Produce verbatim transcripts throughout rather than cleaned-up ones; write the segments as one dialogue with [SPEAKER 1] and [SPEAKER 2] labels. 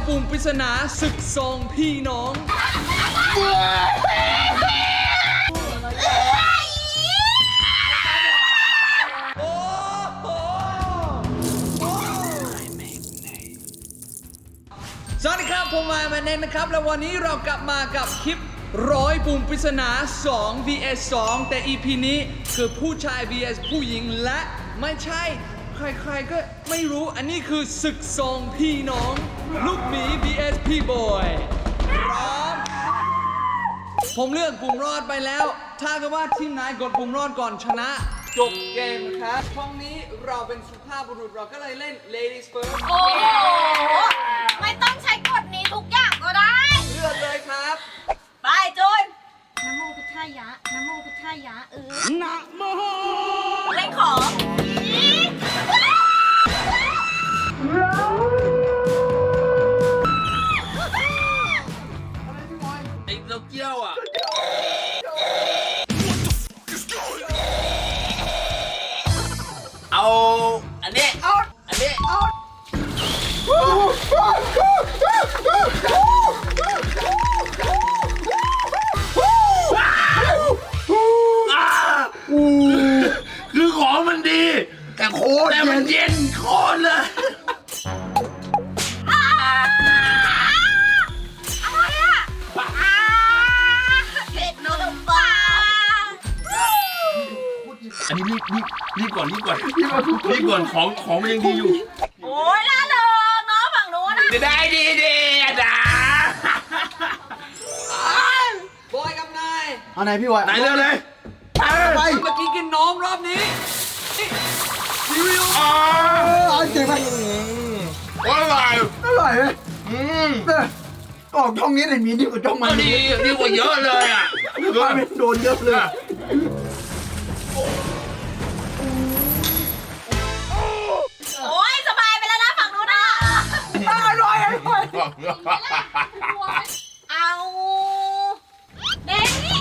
[SPEAKER 1] ปุ่มปริศนาศึกซองพี่น้องสวัสดีครับผมมาแมนเนนนะครับแล้ววันนี้เรากลับมากับคลิปร้อยปุ่มปริศนาสอง วี เอส สองแต่ อี พี นี้คือผู้ชาย วี เอส ผู้หญิงและไม่ใช่ใครๆก็ไม่รู้อันนี้คือศึกซองพี่น้องลูกหมี วี เอส พี่บอยพร้อมผมเลือกปุ่มรอดไปแล้วถ้าเกิดว่าทีมไหนกดปุ่มรอดก่อนชนะจบเกมครับช่องนี้เราเป็นสุภาพบุรุษเราก็เลยเล่น Ladies First
[SPEAKER 2] โอ้โหไม่ต้องใช้กฎนี้ทุกอย่างก็ได้
[SPEAKER 1] เลือกเลยครับ
[SPEAKER 2] ไปจูนนะโมพุทธายะนะโมพุทธายะเออนะโมเล่นของ
[SPEAKER 3] ไอ้เต้าเจี้ยวอ่ะเอาอันนี้เอาอันนี้เอาคือของมันดีแต่โคตรแต่มันเย็นโคตรเลยอันนี้รีบรีบรีบก่อนรีบก่อนรีบก่อนของของมันยังดีอยู่
[SPEAKER 2] โอ้ยล่าเริงเนาะฝั่งโน้นนะ
[SPEAKER 3] ได้ดีดีอ่ะจ้า
[SPEAKER 1] บอยกับนาย
[SPEAKER 4] เอาไหนพี่บอย
[SPEAKER 3] ไหนเร็วเลย
[SPEAKER 4] ไป
[SPEAKER 1] เมื่อกี้กินนมรอบนี้ซีเรียล
[SPEAKER 3] อ๋อ
[SPEAKER 4] เอาเจ๋งไป
[SPEAKER 3] อร่อย
[SPEAKER 4] อร่อยไหม
[SPEAKER 3] อืม
[SPEAKER 4] เนี่ยออกช่องนี้เลยมีดีกว่าช่องมัน
[SPEAKER 3] ดีดีกว่าเยอะเลยอ่ะ
[SPEAKER 4] มันเป็นโดนเยอะเลย
[SPEAKER 2] โอ้ยสบายไปแล้วนะฝั่งโน้นนะ
[SPEAKER 4] อร่อยอร่อย
[SPEAKER 2] เอาเด็กนี่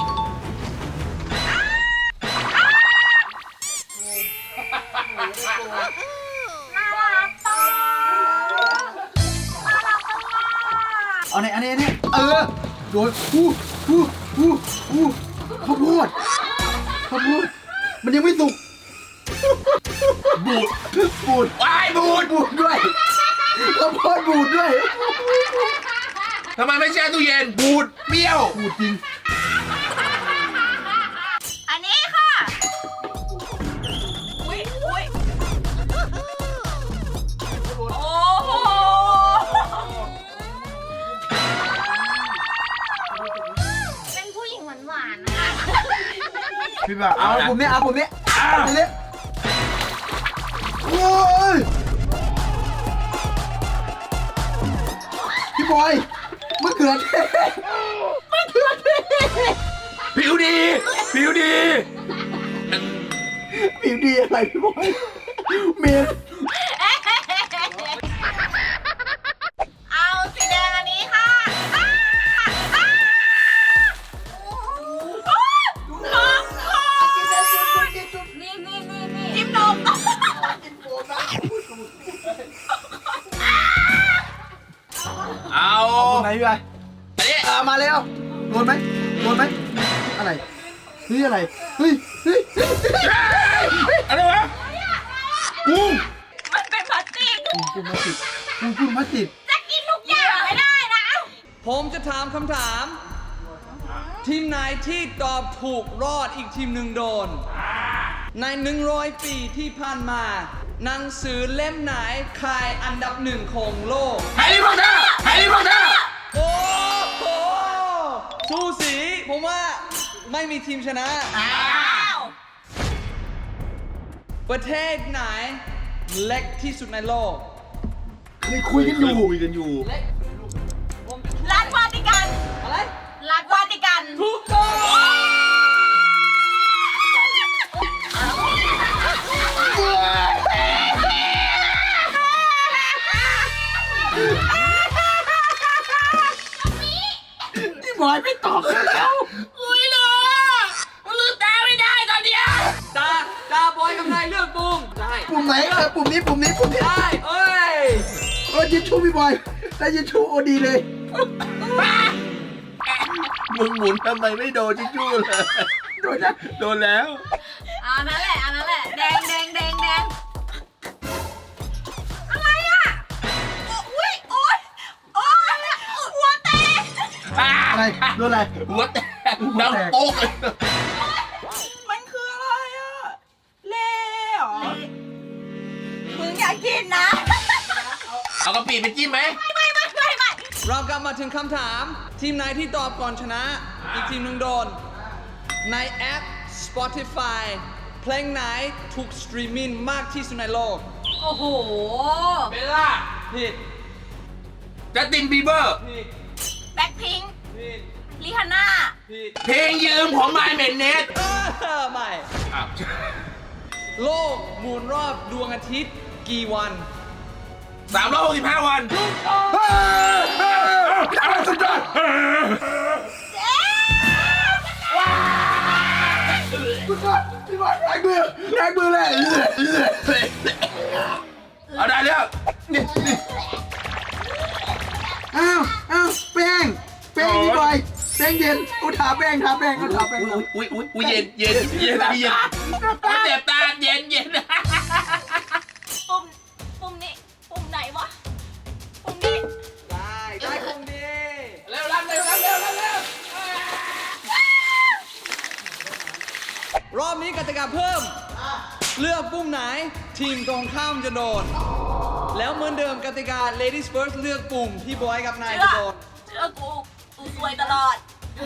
[SPEAKER 4] เอาไหนอันนี้อันนี้เออโดนอู้อู้อู้อู้ข้าวโพดข้าวโพดมันยังไม่สุกบูดบูด
[SPEAKER 3] วายบูด
[SPEAKER 4] บูดด้วยข้าวโพดบูดด้วย
[SPEAKER 3] ทำไมไม่แช่ตู้เย็นบูดเปรี้ยว
[SPEAKER 4] บูดจริง
[SPEAKER 2] อันนี้ค่ะอุ้ยอุ้ยโอ้โหเป็นผู้หญิงหวานๆนะคะ
[SPEAKER 4] พี่แบบเอาผมนี้เอาผมนี้เอาผมนี้โอ้ยพี่บอยมะเขือเทศมะเขือเทศ
[SPEAKER 3] ผิวดีผิวดี
[SPEAKER 4] ผิวดีอะไรพี่บอยเมน
[SPEAKER 2] เอาสีแดงอันนี้ค่ะนี่นี่นี่นี่จิ้มนม
[SPEAKER 3] เอา
[SPEAKER 4] ไหนพี่บอย
[SPEAKER 3] อันนี้
[SPEAKER 4] อ่ามาแล้วโดนไหมโดนไหมอะไรเฮ้ยอะไรเฮ้ยเฮ้ย
[SPEAKER 3] อะไรวะกุ้ง
[SPEAKER 2] มันเป็นพลาสติก
[SPEAKER 4] กุ้งกุ้งมาติดกุ้งกุ้งมาติด
[SPEAKER 2] จะกินทุกอย่างไม่ได้นะ
[SPEAKER 1] ผมจะถามคำถาม ทีมไหนที่ตอบถูกรอดอีกทีมหนึ่งโดน ในหนึ่งร้อยปีที่ผ่านมาหนังสือเล่มไหนขายอันดับหนึ่งของโลก
[SPEAKER 3] แฮร์รี่พอตเตอร์แฮร์รี่พอตเตอร์
[SPEAKER 1] โอ้โหสูสีผมว่าไม่มีทีมชนะ
[SPEAKER 2] อ้าว
[SPEAKER 1] ประเทศไหนเล็กที่สุดในโลก
[SPEAKER 4] เคยคุยกันอยู่
[SPEAKER 3] คุยกันอยู่
[SPEAKER 1] เล็ก
[SPEAKER 2] รัฐวาติกัน
[SPEAKER 1] อะไร
[SPEAKER 2] รัฐวาติกัน
[SPEAKER 1] ถูกต้อง
[SPEAKER 4] พี่บอยไม่ตอบแล้ว
[SPEAKER 3] อุ้ยเหรอมันลืมตาไม่ได้ตอนเนี้ย
[SPEAKER 1] ตาตาบอยกับนายเลือกปุ่มได้
[SPEAKER 4] ปุ่มไหนเออปุ่มนี้ปุ่มนี้ปุ่มนี้
[SPEAKER 1] ได้เอ้ย
[SPEAKER 4] เออยิงชูพี่บอยได้ยินชูโอดีเลย
[SPEAKER 3] มึงหมุนทำไมไม่โดนจิ๊จู้เลย
[SPEAKER 4] โดนนะ
[SPEAKER 3] โดนแล้ว
[SPEAKER 2] เอานั่นแหละเอานั่นแหละแดงแดงแดงแดงอะไรอ่ะอุ้ยโอ๊ยโอ๊ยหัวแตก
[SPEAKER 4] อะไรโดนอะไร
[SPEAKER 3] หัวแตกดังโป๊กเลย
[SPEAKER 2] มันคืออะไรอ่ะเล่หรอมึงอยากกินนะ
[SPEAKER 3] เอากระปิไปจิ้มไหม
[SPEAKER 2] ไม่ไม่ไม่ไม่ไม่
[SPEAKER 1] เรากลับมาถึงคำถาม ทีมไหนที่ตอบก่อนชนะ อีกทีมหนึ่งโดน ในแอป Spotify เพลงไหนถูกสตรีมมิ่งมากที่สุดในโลก
[SPEAKER 2] โอ้โห
[SPEAKER 3] เบลล่า
[SPEAKER 1] ผิด
[SPEAKER 3] จัสตินบีเบอร์
[SPEAKER 1] ผิด
[SPEAKER 2] แบ็คพิงค์
[SPEAKER 1] ผิด
[SPEAKER 2] ลิฮาน่า
[SPEAKER 1] ผิด
[SPEAKER 3] เพลงยืมของไมเมนเนส
[SPEAKER 1] เออไม่
[SPEAKER 3] อ้าว
[SPEAKER 1] โลกหมุนรอบดวงอาทิตย์กี่วัน
[SPEAKER 3] สามร้อยหกสิบห้าวัน
[SPEAKER 4] สุดยอดสุดยอดพี่บอยแรงมือแรงมือเลย
[SPEAKER 3] เอาได้แล้ว
[SPEAKER 4] นี่นี่อ้าวอ้าวแป้งแป้งพี่บอยแป้งเย็นกูถาแป้งถาแป้งกูถาแป้ง
[SPEAKER 3] อุ้ยอุ้ยอุ้ยอุ้ยเย็นเย็นเย็นเย็นเจ็บตาเย็นเย็น
[SPEAKER 2] ปุ่ม ปุ่มนี้ ปุ่มไหนวะ ปุ่มนี้
[SPEAKER 1] ได้ ได้คงดี
[SPEAKER 3] เร็วรับเร็วรับเร็วรับเร็ว
[SPEAKER 1] รอบนี้กติกาเพิ่ม เลือกปุ่มไหน ทีมตรงข้ามจะโดน แล้วเหมือนเดิมกติกา ladies first เลือกปุ่มที่บอยกับนาย
[SPEAKER 2] เชื่
[SPEAKER 1] จะ
[SPEAKER 2] อ
[SPEAKER 1] โดน
[SPEAKER 2] เชื่อกู กูซวยตลอด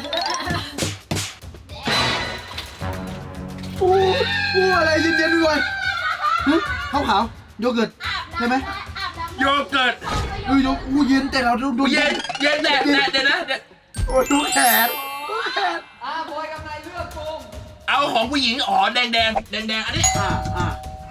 [SPEAKER 4] อู้อู้อะไรเย็นๆพี่บอยข้าวขาวโยเกิร์ตใช่ไหม
[SPEAKER 3] โยเกิร์ต
[SPEAKER 4] อู้ยอู้เย็นแต่เราดูดู
[SPEAKER 3] เย็นเย็นแต่แต่เดี๋ยวนะ
[SPEAKER 4] โอ้ดูแขนดูแขน
[SPEAKER 1] อ่าบอยกับนายเลือกปุ่ม
[SPEAKER 3] เอาของผู้หญิงอ๋อแดงแดงแดงแดงอันนี้
[SPEAKER 4] อ่าอ่า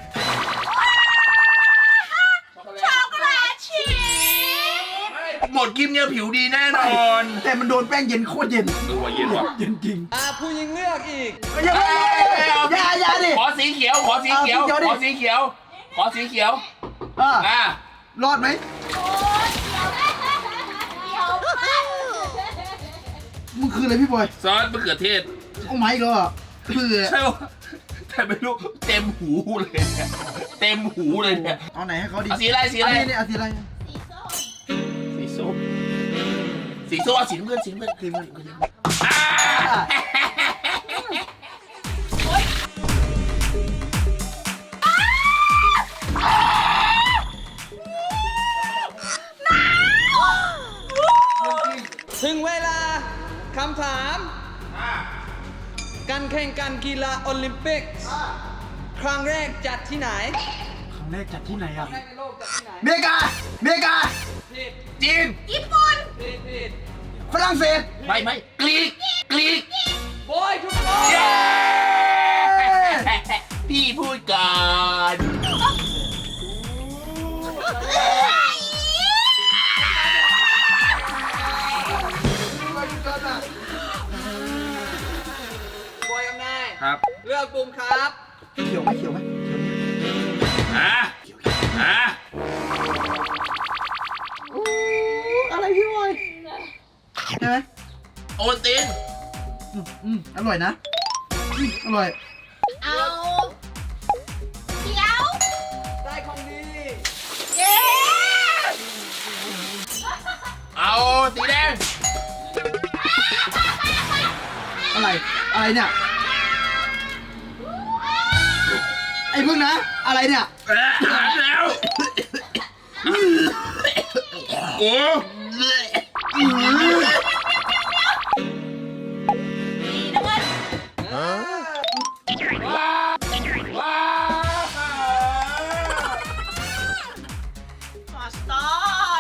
[SPEAKER 2] ช็อกโกแลตชีส
[SPEAKER 3] หมดกิมเนี่ยผิวดีแน่นอน
[SPEAKER 4] แต่มันโดนแป้งเย็นโคตรเย็น
[SPEAKER 3] ดูว่าเย็นว่ะ
[SPEAKER 4] เย็นจริง
[SPEAKER 1] อ่าผู้หญิงเลือกอีก
[SPEAKER 4] อย่าอย่าอย่าดิ
[SPEAKER 3] ขอสีเขียวขอสีเขียวขอสีเขียวขอสีเขียว
[SPEAKER 4] อ่า
[SPEAKER 3] อ่าร
[SPEAKER 4] อดไหม
[SPEAKER 2] โอ้ยเดี๋ยวเดี๋ยวมาก
[SPEAKER 4] มึงคืออะไรพี่บอย
[SPEAKER 3] ซอสมะเขือเทศ
[SPEAKER 4] โอ้ไม่ก็คือ
[SPEAKER 3] ใช่ป่ะแต่ไม่รู้เต็มหูเลยเนี่ยเต็มหูเลยเนี่ย
[SPEAKER 4] เอาไหนให้เขาดี
[SPEAKER 3] เอาสีอะไรสีอะไร
[SPEAKER 4] นนี้เนี่ยเอาสีอะไร
[SPEAKER 3] สีส้มสีส้มเอาสีน้ำเงินสีน้ำเงิน
[SPEAKER 4] สีมัน
[SPEAKER 3] อ่า
[SPEAKER 1] ถึงเวลาคำถาม การแข่งขันกีฬาโอลิมปิกส์ครั้งแรกจัดที่ไหน
[SPEAKER 4] ครั้งแรกจัดที่ไหนอ่ะ
[SPEAKER 1] ครั้งแรกในโลกจัดที่ไหน
[SPEAKER 4] เมกาเมกา
[SPEAKER 1] ผิด
[SPEAKER 3] จีน
[SPEAKER 2] ญี่ปุ่น
[SPEAKER 1] ผิดผิด
[SPEAKER 4] ฝรั่งเศส
[SPEAKER 3] ไม่ไม่กรีกกรีก
[SPEAKER 1] บอยทุกคน
[SPEAKER 3] เย้พี่พูดก่อน
[SPEAKER 1] บอยกับนาย
[SPEAKER 3] ครับ
[SPEAKER 1] เลือกปุ่มครับ
[SPEAKER 4] เขียวไหมเขียวไหม
[SPEAKER 3] อ่ะอ่ะ
[SPEAKER 4] อะไรพี่บอยใช่ไหม
[SPEAKER 3] โอนติน
[SPEAKER 4] อืมอืมอร่อยนะอืมอร่อย
[SPEAKER 2] เอาเขียว
[SPEAKER 1] ได้ของดี
[SPEAKER 2] เย้
[SPEAKER 3] เอาสีแดง
[SPEAKER 4] อะไรอะไรเนี่ยไอ้พึ่งนะ อะไรเนี่ย
[SPEAKER 3] เอ๊ะอ่านแล้วโอ้
[SPEAKER 2] สีน้ำเงิน
[SPEAKER 3] ว้าว้า
[SPEAKER 2] มาสตอร์ด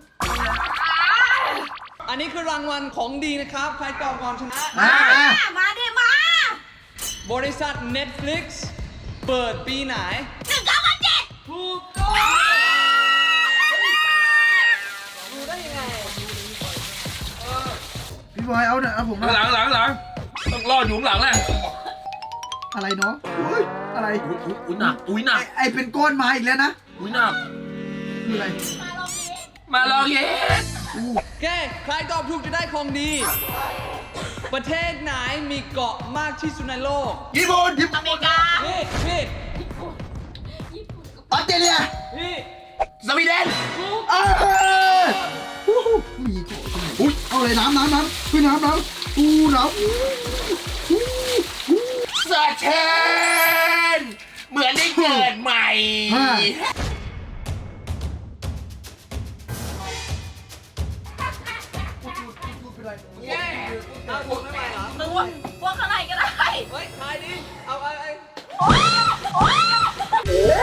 [SPEAKER 1] อันนี้คือรางวัลของดีนะครับ ใครตอบก่อนชนะ
[SPEAKER 4] อ่าอ่า
[SPEAKER 2] มาดิมา
[SPEAKER 1] บริษัท Netflix เปิดปีไหน
[SPEAKER 2] หนึ่งเก้าเจ็ด
[SPEAKER 1] ถูกต้องดูได้ยังไง
[SPEAKER 4] พี่บอยเอาเนี่ยเอาผม
[SPEAKER 3] หลังหลังหลังต้องรอดอยู่ข้างหลังแหละ
[SPEAKER 4] อะไรเนาะอุ้ยอะไร
[SPEAKER 3] อุ้ยอุ้ยหนักอุ้ยหนั
[SPEAKER 4] ไอก ไอเป็นก้อนมาอีกแล้วนะ
[SPEAKER 3] อุ้ยหนัก
[SPEAKER 4] คืออะไร
[SPEAKER 2] มาลองนี้
[SPEAKER 3] มาลองเย็น
[SPEAKER 1] โอเคใครตอบถูกจะได้ของดี ประเทศไหนมีเกาะมากที่สุดในโลก
[SPEAKER 4] ญี่ปุ่นญี่
[SPEAKER 2] อ
[SPEAKER 4] ปุ่น
[SPEAKER 2] เมริกา
[SPEAKER 1] พี่พี่
[SPEAKER 4] ออสเตรเลีย
[SPEAKER 1] พี่
[SPEAKER 3] สวีเดน
[SPEAKER 4] เออฮู้ฮู้มีเกาะตรงไหนอุ้ยเอาเลยน้ำน้ำน้ำคือน้ำน้ำอู้น้ำอู้อู้อู้
[SPEAKER 3] สะเทนเหมือนได้เกิดใหม่
[SPEAKER 4] ห้า
[SPEAKER 1] เอาถูกไม่ไหวเหรอ
[SPEAKER 2] มึงว่าว่าข้างในก็ได้
[SPEAKER 1] เฮ้ยทายดิ เอาไอ้ไอ้
[SPEAKER 2] โอ๊ยโอ๊ย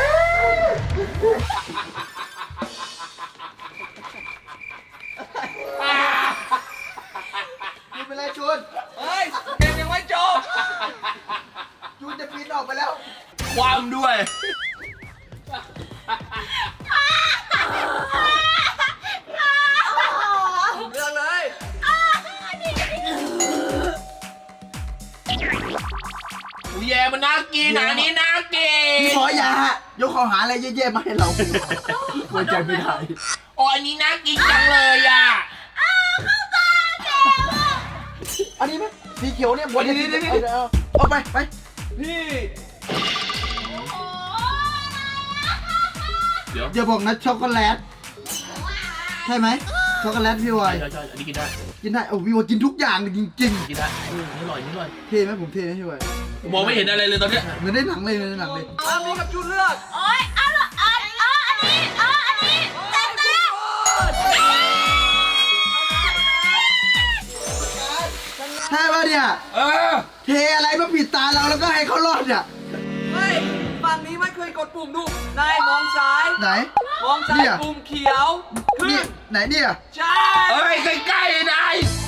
[SPEAKER 4] จูนเป็นไรจูน
[SPEAKER 1] เฮ้ยเกมยังไม่จบ
[SPEAKER 4] จูนจะปีนออกไปแล้ว
[SPEAKER 3] ความด้วย
[SPEAKER 1] เลือกเลย
[SPEAKER 3] อูแยมันน่ากินอันนี้น่ากิน
[SPEAKER 4] พี่หมออย่ายกข้อหาอะไรแย่ๆมาให้เราไว้ใจไม่ได้
[SPEAKER 3] โอ้อันนี้น่ากินจังเลยอ่ะ
[SPEAKER 4] อันนี้ไหมสีเขียวเนี่ยบนนี้นี่นี่เอาเอาไปไป
[SPEAKER 1] พี่
[SPEAKER 3] เดี๋ยว
[SPEAKER 4] อย่าบอกนะช็อกโกแลตใช่ไหมช็อกโกแลตพี่วาย
[SPEAKER 3] ใช่ใช่อันนี้กินได้
[SPEAKER 4] กินได้โอ้พี่วายกินทุกอย่างจริง
[SPEAKER 3] กินได้อืมนี่อร่อยนี่อร่อย
[SPEAKER 4] ๆเท่ไหมผมเท่ไหมพี่วาย
[SPEAKER 3] มองไม่เห็นอะไรเลยตอนเนี้ย
[SPEAKER 4] เหมือนได้หนังเลยเหมือนได้หนังเลย
[SPEAKER 1] อามีกับจูนเลือก
[SPEAKER 2] โอ๊ยเอาละเอาเอาอันนี้เอาอันนี้เต็มเต็ม
[SPEAKER 4] ใช่ป่ะเนี่ย
[SPEAKER 3] เออ
[SPEAKER 4] เทอะไรมาปิดตาเราแล้วก็ให้เขารอดเนี่ย
[SPEAKER 1] เฮ้ยฝั่งนี้ไม่เคยกดปุ่มดูนายมองซ้าย
[SPEAKER 4] ไหน
[SPEAKER 1] มองซ้าย
[SPEAKER 4] เนี่ย
[SPEAKER 1] ปุ่มเขียว ขึ้
[SPEAKER 4] นี่
[SPEAKER 1] น
[SPEAKER 4] ไหนเนี่ย
[SPEAKER 1] ใช่
[SPEAKER 3] เอ้ยใกล้ๆนาย